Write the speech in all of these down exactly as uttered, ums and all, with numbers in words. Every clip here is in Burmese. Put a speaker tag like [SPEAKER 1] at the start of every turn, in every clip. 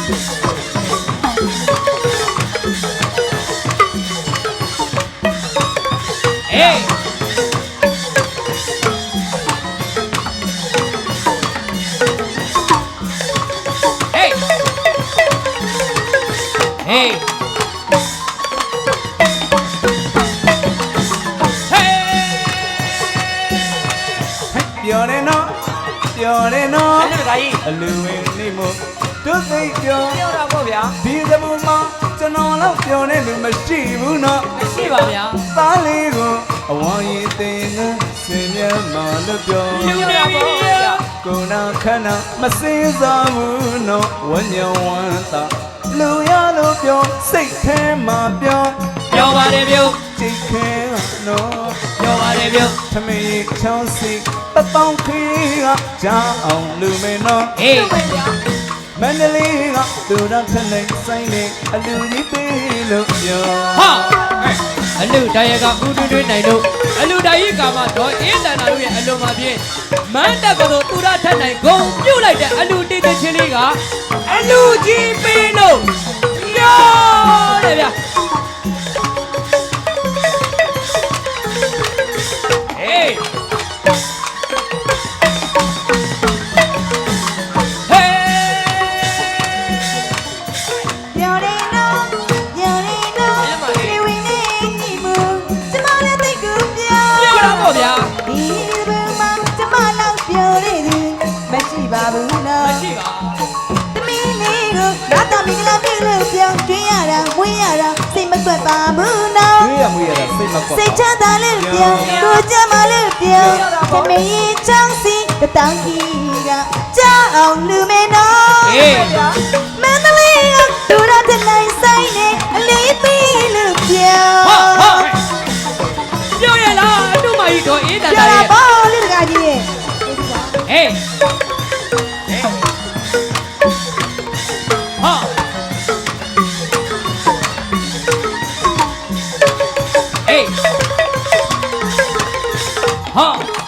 [SPEAKER 1] Hey! Hey! Hey!
[SPEAKER 2] You're in no, you're in no.
[SPEAKER 1] အဲ့ဒါကြီး
[SPEAKER 2] အလူဝင်နေမို့တို့သိပြော
[SPEAKER 1] ပြောတာပေါ့ဗျာ
[SPEAKER 2] ဒီသမှုမှာကျွန်တော်တော့ပြောနေလို့မရှိဘူးနော်
[SPEAKER 1] မရှိပါဗျာ
[SPEAKER 2] သားလေးကိုအဝါရင်တင်ငန်းစင်မြတ်မှလို့ပြော
[SPEAKER 1] လူနေပြီဗျာ
[SPEAKER 2] ကိုနာခဏမစင်းစားဘူးနော်ဝညံဝမ်းသာလူရလို့ပြောစိတ်ထဲမှာပြော
[SPEAKER 1] ပြောပါတယ်ပြုတ်
[SPEAKER 2] จิตခဲနော်
[SPEAKER 1] ပြောပါတယ်ပြုတ်
[SPEAKER 2] သမီးချောင်းစီပပောင်းခေကကြားအောင်လူမင်းနော်
[SPEAKER 1] ဟေး
[SPEAKER 2] မန္တလေးကသူတော်ထနေဆိုင်နေအလူကြီးပေးလို့ပြော
[SPEAKER 1] ဟာအလူတိုင်းရကဥတွင်းတွင်းနိုင်လို့အလူတိုင်းရကမှတော့အင်းတန်တာတို့ရဲ့အလုံးမှာပြင်းမန်းတက်ကတော့သူရထက်နိုင်ဂုံပြုတ်လိုက်တဲ့အလူတေးတဲ့ချင်းလေးကအလူကြီးပေးလို့ပြောတယ်ဗျာဟေး
[SPEAKER 3] ပြောတယ်နော်ပြောတယ်နော်ဒီဝင်းနေနေမှုကျမလည်းသိကူပြော
[SPEAKER 1] ပြောတာပေါ့ဗျာ
[SPEAKER 3] ဒီဘယ်မှာကျမလောက်ပြောရသည်မရှိပါဘူးနော်
[SPEAKER 1] မရှိပါ
[SPEAKER 3] သမီးလေးကိုလာတော့မင်္ဂလာပြုလို့ပြောင်းကျွေးရတာဝင်းရတာစိတ်မကွက်ပါဘူးနော်
[SPEAKER 2] တွေးရမွေးရတာစိတ်မကောက်
[SPEAKER 3] စိတ်ချမ်းသာလို့ပြောင်းကိုကြမ်းမလို့ပြောင်းသမီးချောင်းစီတတောင်းကြီးကကြောက်အောင်လူမဲနော်
[SPEAKER 1] ဟေး
[SPEAKER 3] မန္တလေးကဒူရတဲ့နိုင်ဆိုင်နေအလေးပေးလို့ပြော
[SPEAKER 1] ဟာဟာပြောရလားအတူမကြီးတော့အင်းတန်
[SPEAKER 3] ပြော
[SPEAKER 1] တာ
[SPEAKER 3] တာ
[SPEAKER 1] ရဲ့
[SPEAKER 3] ပေါ့လေတကကြီးရဲ့
[SPEAKER 1] ဟေးဟာဟေးဟာ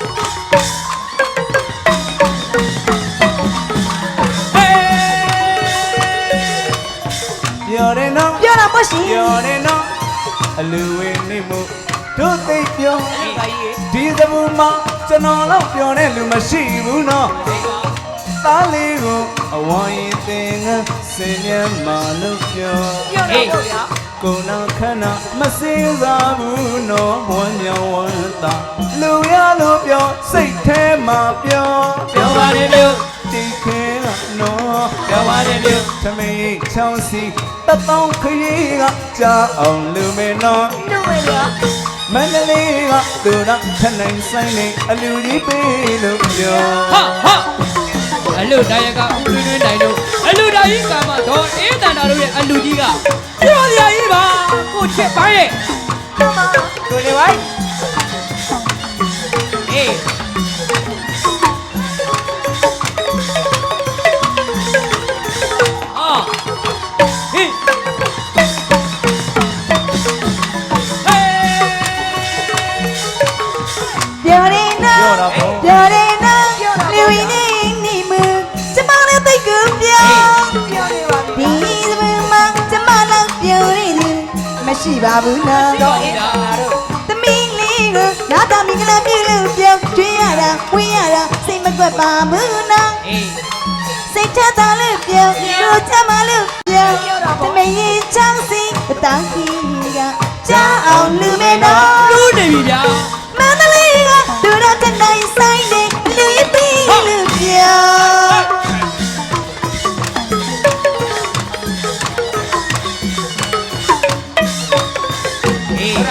[SPEAKER 2] ပြောတယ်နော်
[SPEAKER 3] ပြောတာပေါ့ရှင်
[SPEAKER 2] ပြောတယ်နော်အလူဝင်နေမှုတို့သိပြော
[SPEAKER 1] ဟေးပါကြီး
[SPEAKER 2] ဒီသမှုမှာကျွန်တော်တော့ပြောနေလူမရှိဘူးနော်သားလေးကိုအဝါရင်တင်ငန်းစင်မြတ်မှလို့ပြော
[SPEAKER 1] ဟေး
[SPEAKER 2] ကိုနာခဏမစင်းစားဘူးနော်ဝမ်းမြောင်ဝမ်းသာလူရလို့ပြောစိတ်ထဲမှာပြော
[SPEAKER 1] ပြောပါတယ်ပြုတ်
[SPEAKER 2] တိခဲကနော်
[SPEAKER 1] ပြောပါတယ်ပြုတ်
[SPEAKER 2] သမီးချောင်းစီတပေါင်းခရီးကကြားအောင်လူမင်းနော်
[SPEAKER 3] တို့ဝဲရ
[SPEAKER 2] မန္တလေးကသူတော်ထနိုင်ဆိုင်နေအလူကြီးပေးလို့ပြော
[SPEAKER 1] ဟာဟာအလူတိုင်းရကဥတွင်းတွင်းနိုင်လို့အလူတိုင်းကြီးကမှတော့အင်းတန်တာတို့ရဲ့အလူကြီးကပြောစရာကြီးပါကိုချစ်ပိုင်းရဲ့ကိုနေဝိုင်းအေးအာဟေး
[SPEAKER 3] ပြောတယ်နော်
[SPEAKER 2] ပြောတာပေါ့
[SPEAKER 3] ပြောတယ်နော်လူရင်းနေနေမှုကျမလည်းသိကူပြောပြောနေပါပြီဒီဘယ်မှာကျမလောက်ပြောရသည်မရှိပါဘူးနော်
[SPEAKER 1] တော့အင်းတာတို့
[SPEAKER 3] သမီးလေးကိုလာတော့မင်္ဂလာပြုလို့ပြောင်းကျွေးရတာဝင်းရတာစိတ်မကွက်ပါဘူးနော်
[SPEAKER 1] အေး
[SPEAKER 3] စိတ်ချတာလို့ပြောတို့ချမလို့ပြောသမီးချောင်းစီတောင်းကြီးကကြားအောင်လူမဲနော်
[SPEAKER 1] လူနေပြီဗျာ
[SPEAKER 3] မန္တလေးကဒူရတဲ့နိုင်ဆိုင်နေလူပြီးလို့ပြော
[SPEAKER 1] အေး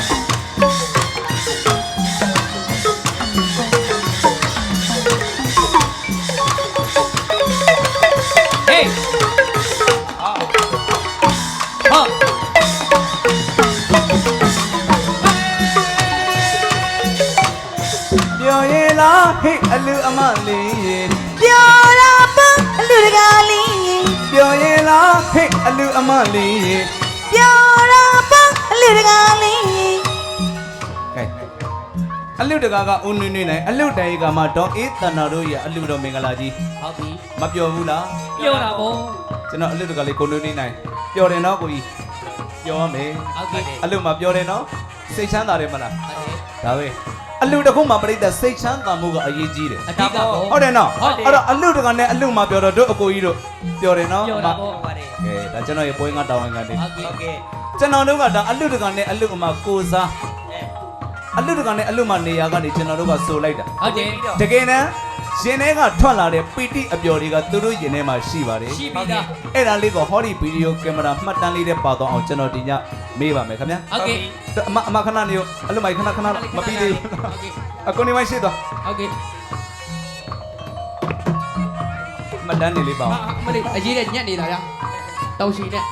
[SPEAKER 1] Hey! Ah! Ah!
[SPEAKER 2] ပြောရင်လားဟေ့အလူအမလေးရေ
[SPEAKER 3] ပြောတာပေါ့အလူတကားလေး
[SPEAKER 2] ပြောရင်လားဟေ့အလူအမလေးရေ
[SPEAKER 3] ပြောတာပေါ့အလူတကားလေး
[SPEAKER 2] ကဲအလူတကာကဦးနွေ့နွေ့နိုင်အလူတိုင်ကမှဒေါ်အေးတန်နာတို့ရဲ့အလူတော်မင်္ဂလာကြီး
[SPEAKER 1] ဟုတ်ပြီ
[SPEAKER 2] မပျော်ဘူးလား
[SPEAKER 1] ပြောတာပေါ့
[SPEAKER 2] ကျွန်တော်အလူတကာလေးကိုနွေ့နွေ့နိုင်ပျော်တယ်နော်ကိုကြီးပျော်ရမယ်
[SPEAKER 1] ဟုတ်ကဲ့
[SPEAKER 2] အလူမှာပျော်တယ်နော်စိတ်ချမ်းသာတယ်မလား
[SPEAKER 1] ဟုတ်တယ်
[SPEAKER 2] ဒါပဲအလူတစ်ခုမှပြိတ္တစိတ်ချမ်းသာမှုကအရေးကြီးတယ်
[SPEAKER 1] အဓိကပေါ့
[SPEAKER 2] ဟုတ်တယ်နော်အဲ့တော့အလူတကာနဲ့အလူမှာပျော်တော့တို့အကိုကြီးတို့ပျော်တယ်နော်
[SPEAKER 1] ပြောတာပေါ့ဟုတ်တယ်
[SPEAKER 2] ကဲဒါကျွန်တော်ရဲ့ပွဲငါတောင်းဝင်ကနေ
[SPEAKER 1] ဟုတ်ကဲ့ဟုတ်ကဲ့
[SPEAKER 2] ကျွန်တော်တို့ကဒါအလူတကာနဲ့အလူအမကိုစားအလူတကာနဲ့အလူမနေရာကနေကျွန်တော်တို့ကဆိုလိုက်တာ
[SPEAKER 1] ဟုတ်တယ်
[SPEAKER 2] တကယ်တမ်းရင်ထဲကထွက်လာတဲ့ပီတိအပျော်တွေကသူတို့ရင်ထဲမှာရှိပါတယ်
[SPEAKER 1] ရှိပြီသား
[SPEAKER 2] အဲ့ဒါလေးကိုဟောဒီဗီဒီယိုကင်မရာမှတ်တမ်းလေးနဲ့ပါတော့အောင်ကျွန်တော်ဒီညမေးပါမယ်ခင်ဗျာ
[SPEAKER 1] ဟုတ်ကဲ့
[SPEAKER 2] အမအမခဏနေအလူမိုက်ခဏခဏမပြီးသေးဘူး
[SPEAKER 1] ဟုတ်ကဲ့
[SPEAKER 2] အကိုနေမရှိတော့
[SPEAKER 1] ဟုတ်ကဲ့
[SPEAKER 2] မှတ်တမ်းနေလေးပါ
[SPEAKER 1] ဟာ
[SPEAKER 2] အောင်
[SPEAKER 1] မလေးအရေးနဲ့ညက်နေတာဗျာတောက်ရှိနဲ့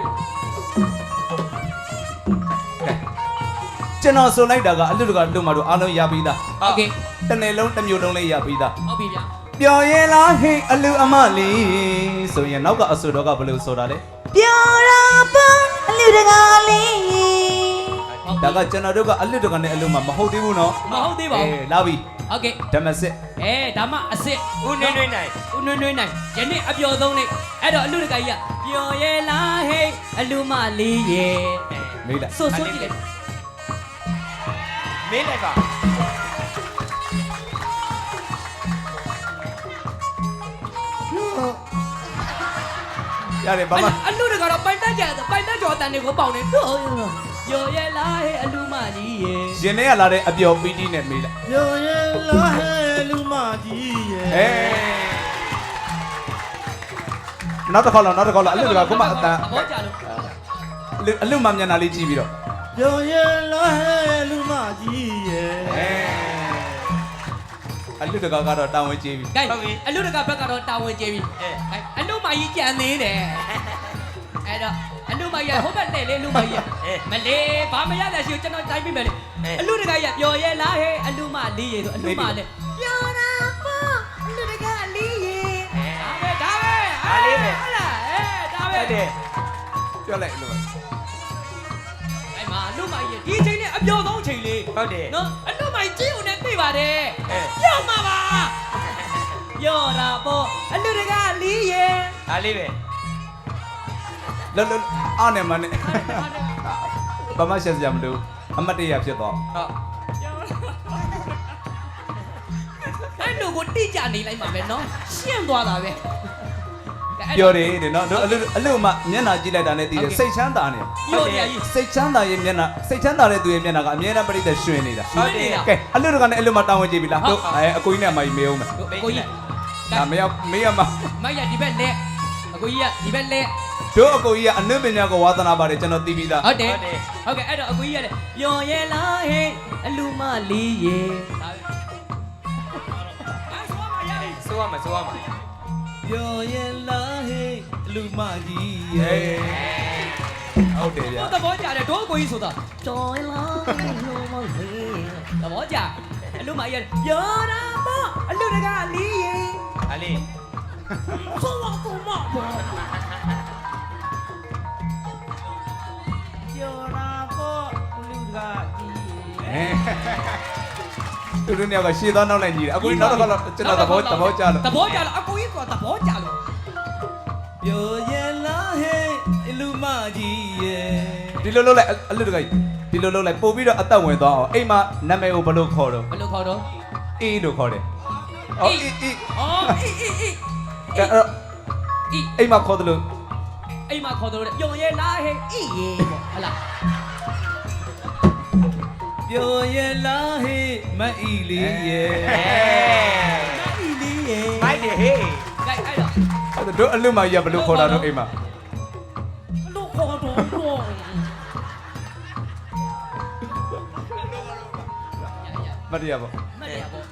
[SPEAKER 2] ကျွန်တော်ဆိုလိုက်တာကအလူတကာလူမတို့အားလုံးရပြီးသား
[SPEAKER 1] ဟုတ်ကဲ့
[SPEAKER 2] တစ်နေ့လုံးတစ်မျိုးလုံးလေးရပြီးသား
[SPEAKER 1] ဟုတ်ပြီဗျာ
[SPEAKER 2] ပျော်ရင်လားဟိအလူအမလေးဆိုရင်နောက်ကအဆူတော်ကဘယ်လိုဆိုတာလဲ
[SPEAKER 3] ပြောတာပေါ့အလူတကာလေး
[SPEAKER 2] ဒါကကျွန်တော်တို့ကအလူတကာနဲ့အလူမမဟုတ်သေးဘူးနော်
[SPEAKER 1] မဟုတ်သေးပါဘူး
[SPEAKER 2] အေးလာပြီ
[SPEAKER 1] ဟုတ်ကဲ့
[SPEAKER 2] ဓမ္မစစ်
[SPEAKER 1] အဲဒါမှအစ်စ်ဦးနွေးနွေးနိုင်ဦးနွေးနွေးနိုင်ယနေ့အပျော်ဆုံးနေ့အဲ့တော့အလူတကကြီးကပျော်ရဲ့လားဟဲ့အလူမလေးရဲ့
[SPEAKER 2] မေးလိုက်
[SPEAKER 1] ဆိုဆိုကြည့်လိုက်
[SPEAKER 4] မင်းလည်းက
[SPEAKER 2] ရတယ်ဘာမှ
[SPEAKER 1] အလူတကတော့ပိုင်တက်ကြပိုင်တက်ကြော်တန်တွေကိုပေါင်နေတော့ပျော်ရဲ့လားဟဲ့အလူမကြီးရဲ့
[SPEAKER 2] ရင်ထဲကလာတဲ့အပျော်ပီတိနဲ့မေးလိုက်
[SPEAKER 4] ညိုရင်လာဟဲလူမကြီးရဲ့
[SPEAKER 2] အေးနောက်တစ်ခေါက်လောက်နောက်တစ်ခေါက်လောက်အလူတကာကမှအတန်
[SPEAKER 1] သဘောကျလို့
[SPEAKER 2] အလူမမျက်နှာလေးကြည့်ပြီးတော့
[SPEAKER 4] ညိုရင်လာဟဲလူမကြီးရဲ့
[SPEAKER 2] အေးအလူတကာကတော့တာဝန်ကြီးပြီ
[SPEAKER 1] ကဲအလူတကဘက်ကတော့တာဝန်ကျေပြီအဲအလူမကြီးကြံသေးတယ်အဲ့တော့အလူမကြီးဟိုဘက်နဲ့လေလူမကြီးမလေးဘာမရတဲ့ရှိကိုကျွန်တော်တိုင်းပြမယ်လေအလူတကကြီးပျော်ရဲ့လားဟဲ့အလူမလေးရဲ့ဆိုအလူမလေးပျော်တာပေါ့အလူတကလေးရဲ့ဒါပဲဒါပဲဟုတ်လားအဲဒါပဲ
[SPEAKER 4] ဟုတ်တယ်
[SPEAKER 2] ပြောလိုက်အလူမ
[SPEAKER 1] အဲ့မှာအလူမကြီးဒီချိန်နဲ့အပျော်ဆုံးချိန်လေး
[SPEAKER 4] ဟုတ်တယ်
[SPEAKER 1] နော်အလူမကြီးကြည့်ဦးနဲ့ပြပါတယ်
[SPEAKER 4] အဲ
[SPEAKER 1] ပျော်မှာပါပျော်တာပေါ့အလူတကလေးရဲ့
[SPEAKER 4] ဒါလေးပဲ
[SPEAKER 2] လောလောအားနဲ့မနဲ့ဘာမှရှက်စရာမလိုအမတ်တရဖြစ်သွား
[SPEAKER 4] ဟုတ်
[SPEAKER 1] အဲ့လိုကိုတိကျနေလိုက်မှာပဲနော်ရှင်းသွားတာပဲ
[SPEAKER 2] ပြောတယ်တဲ့နော်တို့အလူအလူမမျက်နှာကြည့်လိုက်တာနဲ့တည်တယ်စိတ်ချမ်းသာနေ
[SPEAKER 1] ပြောရကြီး
[SPEAKER 2] စိတ်ချမ်းသာရဲ့မျက်နှာစိတ်ချမ်းသာတဲ့သူရဲ့မျက်နှာကအမြဲတမ်းပြိတ္တရွှင်နေတာ
[SPEAKER 1] ဟုတ်တယ်
[SPEAKER 2] ကဲအလူတကနဲ့အလူမတောင်းဝင်ကြည့်ပြီလားတို့အဲအကိုကြီးနဲ့အမကြီးမေးအောင်မယ်
[SPEAKER 1] ကိုကြီး
[SPEAKER 2] ဒါမရောက်မေးရမှာ
[SPEAKER 1] မရဒီဘက်လက်အကိုကြီးကဒီဘက်လက်
[SPEAKER 2] တို့အကိုကြီးကအနုပညာကိုဝါသနာပါတယ်ကျွန်တော်သိပြီးသား
[SPEAKER 1] ဟုတ်တယ်ဟုတ်ကဲ့အဲ့တော့အကိုကြီးကလည်းပျော်ရဲ့လားဟဲ့အလူမလေးရေဒါပဲအဲ့ဆိုပါမရ
[SPEAKER 4] ဆိုရမှာဆိုရမှာ
[SPEAKER 2] ပြောရင်လားဟေးလူမကြီးရဲ့ဟုတ်တယ်ဗျာ
[SPEAKER 1] သဘောကျတယ်တို့အကိုကြီးဆိုတာပျော်ရဲ့လားဟဲ့အလူမလေးသဘောကျအလူမကြီးပျော်တာပေါ့အလူတကလေးရေ
[SPEAKER 4] ဒါလေး
[SPEAKER 1] ဆိုပါကူမပေါ့
[SPEAKER 4] ပြောတာပေါ့လူကကြီး
[SPEAKER 2] သူတို့ညကရှေ့သွားနောက်လိုက်ညီတယ်အကိုကြီးနောက်တစ်ခါတော့ကျွန်တော်သဘောသဘောကျလို့
[SPEAKER 1] သဘောကျလို့အကိုကြီးကသဘောကျလို့
[SPEAKER 2] ပြောရင်လားဟေးလူမကြီးရဲ့ဒီလိုလုပ်လိုက်အလူတကကြီးဒီလိုလုပ်လိုက်ပို့ပြီးတော့အသက်ဝင်သွားအောင်အိမ်မှာနာမည်ကိုဘယ်လိုခေါ်တော့
[SPEAKER 1] ဘယ်လိုခေါ်တော့
[SPEAKER 2] အေးလို့ခေါ်တယ်အော်အေးအေး
[SPEAKER 1] အော်အေးအေးအေး
[SPEAKER 2] အဲ့တော့
[SPEAKER 1] အေး
[SPEAKER 2] အိမ်မှာခေါ်တယ်လို့
[SPEAKER 1] အိမ်မှာခေါ်တော့ပျော်ရဲ့လားဟဲ့အေးရေပေါ့ဟလာ
[SPEAKER 2] ပြောရင်လားဟေးမအီလေးရဲ့
[SPEAKER 1] အေးလေးရေ
[SPEAKER 4] မိုက်တယ်ဟေး
[SPEAKER 1] ကဲအဲ့တော့
[SPEAKER 2] အဲ့တို့အလူမကြီးကဘယ်လိုခေါ်တာတော့အိမ်မှာ
[SPEAKER 1] ဘလို့ခေါ်တော့တော့
[SPEAKER 2] မတရားပေါ့
[SPEAKER 1] မရပေါ့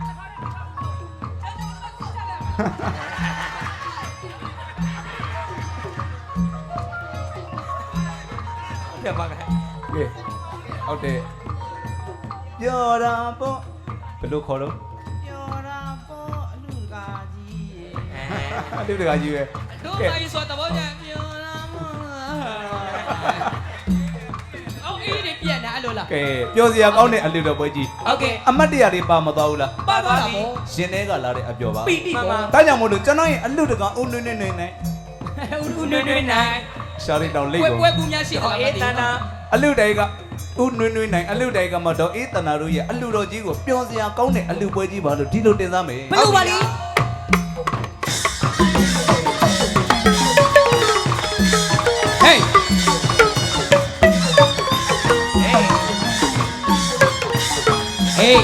[SPEAKER 4] ပြပါမယ်
[SPEAKER 2] ကဲဟုတ်တယ်ပြောတာပေါ့ဘယ်လိုခေါ်တော့
[SPEAKER 4] ပြောတာပေါ့အလူကကြီးရဲ့
[SPEAKER 2] အလူတကကြီးပဲ
[SPEAKER 1] တို့မကြီးဆိုသဘောကျပျော်လားမအော်အေးကြီးတွေပြက်နေအဲ့လိုလား
[SPEAKER 2] ကဲပြောစရာကောင်းတဲ့အလူတော်ပွဲကြီး
[SPEAKER 1] ဟုတ်ကဲ့
[SPEAKER 2] အမတ်တရတွေပါမသွားဘူးလား
[SPEAKER 1] ပါသွားတာပေါ့
[SPEAKER 2] ရှင်တွေကလာတဲ့အပြောပါ
[SPEAKER 1] ပီတိပေါ့
[SPEAKER 2] ဒါကြောင့်မို့လို့ကျွန်တော်ရဲ့အလူတကောင်အုံနွေ့နွေ့နွေ့နိုင်
[SPEAKER 1] ဦးဦးနွေ့နွေ့နိုင်
[SPEAKER 2] ရှာရီတောင်လိတ်
[SPEAKER 1] ပွဲ
[SPEAKER 2] ကို
[SPEAKER 1] ပွဲကူများရှိအောင်အေးတန်တာ
[SPEAKER 2] အလူတိုင်ကဦးနွေ့နွေ့နိုင်အလူတိုင်ကမတော့အေးတနာတို့ရဲ့အလူတော်ကြီးကိုပျော်စရာကောင်းတဲ့အလူပွဲကြီးပါလို့ဒီလိုတင်စားမယ်
[SPEAKER 1] ဘယ်လိုပါလဲဟေးဟေးဟေး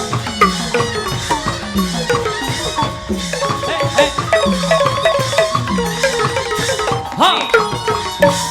[SPEAKER 1] ဟာ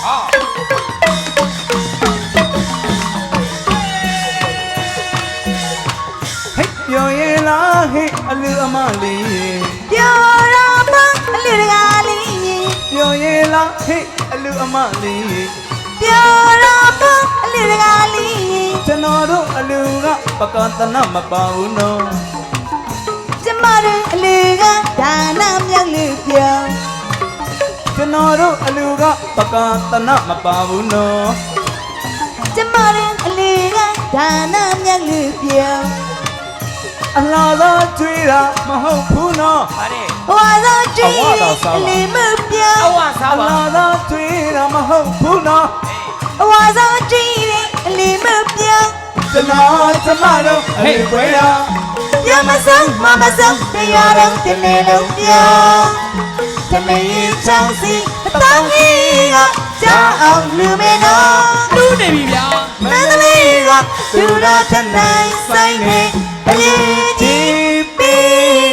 [SPEAKER 2] ဟဲ့ပျော်ရင်လားဟဲ့အလူအမလေး
[SPEAKER 3] ပြောရမအလူတကားလေး
[SPEAKER 2] ပျော်ရင်လားဟဲ့အလူအမလေး
[SPEAKER 3] ပြောရမအလူတကားလေး
[SPEAKER 2] ကျွန်တော်တို့အလူကပကသနာမပါဘူးနော်
[SPEAKER 3] ကျမတို့အလူကဒါနမြောက်လို့ပြော
[SPEAKER 2] ကျွန်တော်တို့အလူကပကသနာမပါဘူးနော်
[SPEAKER 3] ကျမတို့အလူကဒါနမြောက်လို့ပြော
[SPEAKER 2] အလားသာကြွေးတာမဟုတ်ဘူးနော်
[SPEAKER 3] ဝါသောကြည့်အလူမပြော
[SPEAKER 1] အဝစား
[SPEAKER 2] အ
[SPEAKER 1] ပါ
[SPEAKER 2] လားသာကြွေးတာမဟုတ်ဘူးနော်
[SPEAKER 3] ဝါသောကြည့်အလူမပြော
[SPEAKER 2] ကျွန်တော်ကျမတို့အလူပွဲတာ
[SPEAKER 3] ရမဆုံးမမဆုံးတရားတော်တနေ့လုံးပြောတမင်းချောင်းစီအတောင်းကြီးကကြောက်အောင်လူမင်းတော်
[SPEAKER 1] တူးနေပြီဗျာ
[SPEAKER 3] မန္တလေးကသူတော်ထနိုင်ဆိုင်နေအလေးကြီးပေး